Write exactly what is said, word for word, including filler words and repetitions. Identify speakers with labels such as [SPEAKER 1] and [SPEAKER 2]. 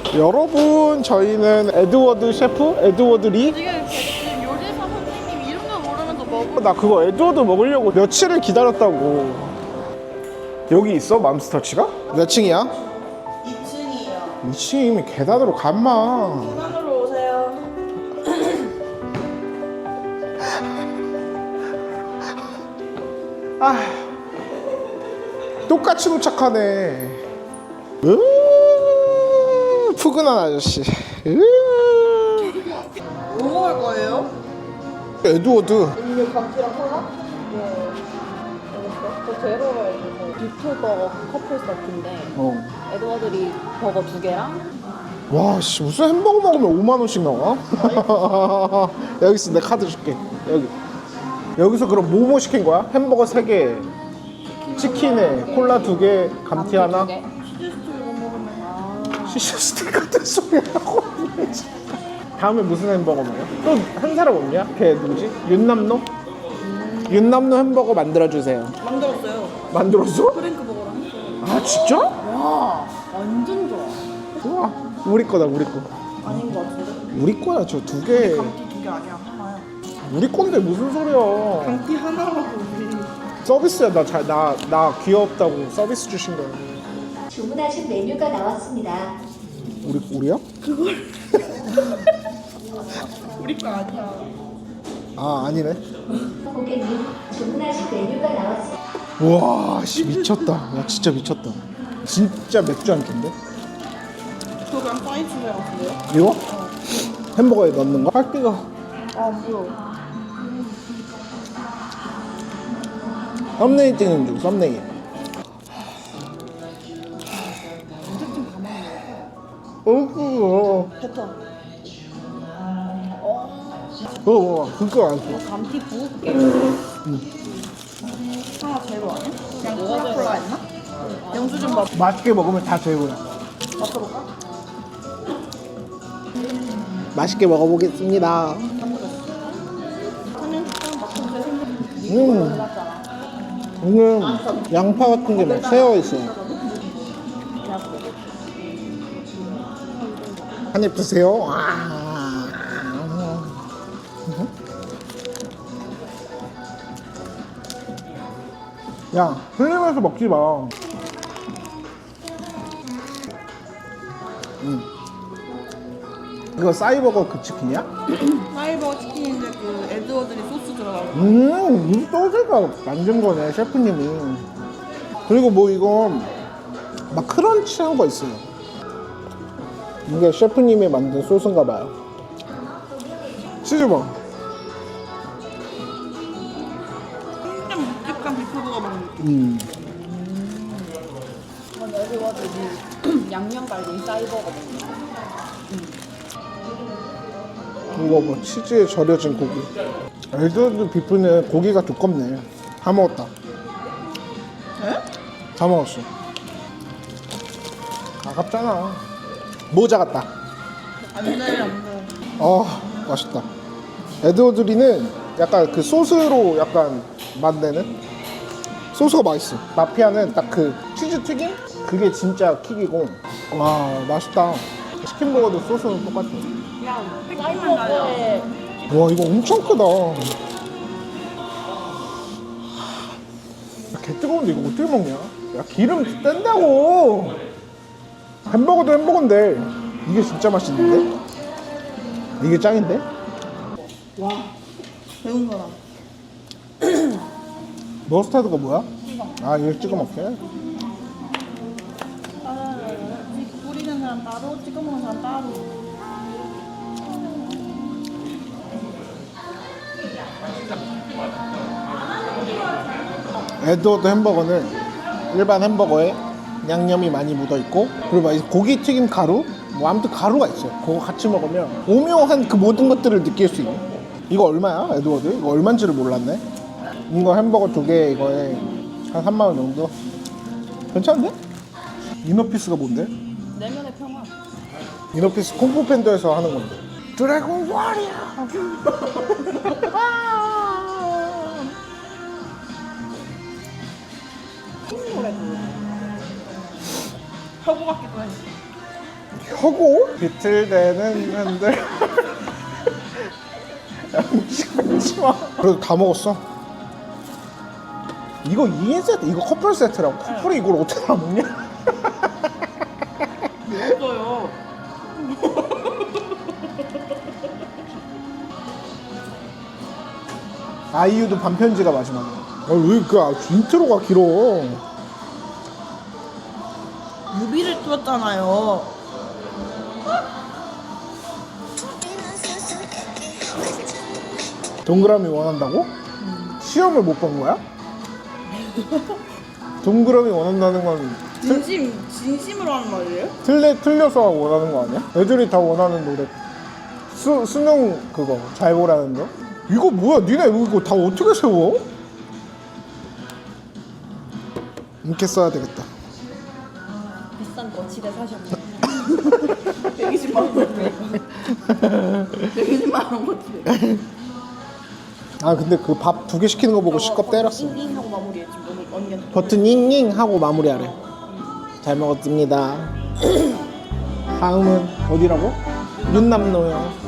[SPEAKER 1] 여러분, 저희는 에드워드 셰프? 에드워드 리?
[SPEAKER 2] 지금 지금 요리사 선생님 이름도 모르면서 먹고
[SPEAKER 1] 나 그거 에드워드 먹으려고 며칠을 기다렸다고. 여기 있어? 맘스터치가? 몇 층이야?
[SPEAKER 2] 이 층이에요.
[SPEAKER 1] 이 층이면 계단으로 간마.
[SPEAKER 2] 계단으로 오세요.
[SPEAKER 1] 아, 똑같이 도착하네. 으, 푸근한 아저씨. 으.
[SPEAKER 2] 뭐 먹을 거예요?
[SPEAKER 1] 에드워드.
[SPEAKER 2] 음료 감튀랑 콜라? 네. 알겠어. 저 제로로 해주세요. 비프 버거 커플 세트인데
[SPEAKER 1] 어.
[SPEAKER 2] 에드워드리 버거 두 개랑
[SPEAKER 1] 와, 씨, 무슨 햄버거 먹으면 오만 원씩 나와? 여기 있어, 내 카드 줄게. 여기. 여기서 그럼 뭐뭐 시킨 거야? 햄버거 세 개, 치킨에 콜라 두 개, 감튀 하나.
[SPEAKER 2] 두 개. 치즈스틱 이거 먹으면 아.
[SPEAKER 1] 시셔 스틱 같은 소리 하고. 다음에 무슨 햄버거 먹어? 또 한 사람 없냐? 걔 누구지? 윤남노? 음. 윤남노 햄버거 만들어주세요.
[SPEAKER 2] 만들었어요.
[SPEAKER 1] 만들었어?
[SPEAKER 2] 프랭크 버거랑 했어요.
[SPEAKER 1] 아, 진짜?
[SPEAKER 2] 와 완전 좋아.
[SPEAKER 1] 우와, 우리 거다, 우리 거.
[SPEAKER 2] 아닌 것 같은데?
[SPEAKER 1] 우리 거야, 저 두 개.
[SPEAKER 2] 감튀 두 개 아니야 하나야.
[SPEAKER 1] 우리 건데 무슨 소리야.
[SPEAKER 2] 감튀 하나라고 우리.
[SPEAKER 1] 서비스야. 나, 잘, 나, 나 귀엽다고 서비스 주신 거야.
[SPEAKER 3] 주문하신 메뉴가 나왔습니다.
[SPEAKER 1] 우리, 우리야?
[SPEAKER 2] 우리 거 아니야.
[SPEAKER 1] 아, 아니네.
[SPEAKER 3] 고객님, 주문하신 메뉴가 나왔습니다.
[SPEAKER 1] 우와, 씨, 미쳤다. 야, 진짜 미쳤다. 진짜 맥주 한 캔데?
[SPEAKER 2] 저 그냥 사이즈 같은데요?
[SPEAKER 1] 이거? 햄버거에 넣는 거? 할 때가.
[SPEAKER 2] 아 뭐야?
[SPEAKER 1] 썸네일 찍는 중, 썸네일. 어구,
[SPEAKER 2] 패턴.
[SPEAKER 1] 그거 뭐, 그거 안 써.
[SPEAKER 2] 감튀 부을게. 하나 제로 아니야? 그냥 콜라 콜라 했나? 영수 좀 봐.
[SPEAKER 1] 맛있게 먹으면 다 제로야.
[SPEAKER 2] 맛볼까?
[SPEAKER 1] 맛있게 먹어보겠습니다.
[SPEAKER 2] 하면 식당 맛좀 제 생각.
[SPEAKER 1] 음,
[SPEAKER 2] 몰랐잖아.
[SPEAKER 1] 오늘 양파 같은 게 막 새어 있어요. 한 입 드세요. 아. 야, 흘리면서 먹지 마. 음. 이거 싸이버거 그 치킨이야?
[SPEAKER 2] 사이버 치킨인데 그 에드워드리 소스 들어가고.
[SPEAKER 1] 음, 이 소스가 만든 거네, 셰프님이. 그리고 뭐 이거 막 크런치한 거 있어요. 이게 셰프님이 만든 소스인가 봐요. 치즈버.
[SPEAKER 2] 진짜 묵직한 비프버거 먹는 느낌.
[SPEAKER 1] 음.
[SPEAKER 2] 이건 에드워드리 양념 갈비 사이버거 먹는 거.
[SPEAKER 1] 이거 뭐 치즈에 절여진 고기. 에드워드 비프는 고기가 두껍네. 다 먹었다.
[SPEAKER 2] 에?
[SPEAKER 1] 다 먹었어. 아깝잖아. 모자 같다.
[SPEAKER 2] 안돼 안돼.
[SPEAKER 1] 아, 맛있다. 에드워드리는 약간 그 소스로 약간 맛내는 소스가 맛있어. 마피아는 딱 그 치즈 튀김? 그게 진짜 킥이고. 와, 맛있다. 치킨버거도 소스는 똑같아.
[SPEAKER 2] 그냥 팩만 달려.
[SPEAKER 1] 와, 이거 엄청 크다. 야, 개 뜨거운데 이거 어떻게 먹냐? 야, 기름 뗀다고. 햄버거도 햄버거인데 이게 진짜 맛있는데? 이게 짱인데?
[SPEAKER 2] 와 배운 거라.
[SPEAKER 1] 머스타드가 뭐야? 아, 이거 찍어 먹게.
[SPEAKER 2] 뿌리는 사람 따로, 찍어 먹는 사람 따로.
[SPEAKER 1] 에드워드 햄버거는 일반 햄버거에 양념이 많이 묻어있고, 그리고 막 이 고기 튀김 가루? 뭐 아무튼 가루가 있어요. 그거 같이 먹으면 오묘한 그 모든 것들을 느낄 수 있는. 이거 얼마야, 에드워드? 이거 얼마인지를 몰랐네. 이거 햄버거 두 개 이거에 한 삼만 원 정도? 괜찮은데? 이너피스가 뭔데?
[SPEAKER 2] 내면의 평화.
[SPEAKER 1] 이너피스 콩푸 팬더에서 하는 건데. 드래곤 워리어!
[SPEAKER 2] 노래 그 혀고 같기도 해.
[SPEAKER 1] 켜고 비틀대는 흔들 음식 먹지 마. 그래도 다 먹었어. 이거 이 인 세트, 이거 커플 세트라고. 커플이 이걸 어떻게 다 먹냐?
[SPEAKER 2] 먹어요.
[SPEAKER 1] 아이유도 반편지가 마지막에. 아, 왜 그 인트로가 길어?
[SPEAKER 2] 뮤비를 띄웠잖아요.
[SPEAKER 1] 동그라미 원한다고? 시험을 못 본 거야? 동그라미 원한다는 건 틀,
[SPEAKER 2] 진심 진심으로 하는 말이에요?
[SPEAKER 1] 틀려, 틀려서 원하는 거 아니야? 애들이 다 원하는 노래. 수, 수능 그거 잘 보라는 거? 이거 뭐야? 니네 이거 다 어떻게 세워? 이렇게 써야 되겠다.
[SPEAKER 2] 비싼 거 집에 사셨네. 백이십만 원. 백이십만 원 거치.
[SPEAKER 1] 아 근데 그 밥 두 개 시키는 거 보고 시겁 때렸어.
[SPEAKER 2] 잉잉 하고 마무리했지. 너무 언니한테.
[SPEAKER 1] 버튼 잉잉 하고 마무리하래. 잘 먹었습니다. 다음은 어디라고? 윤남로요.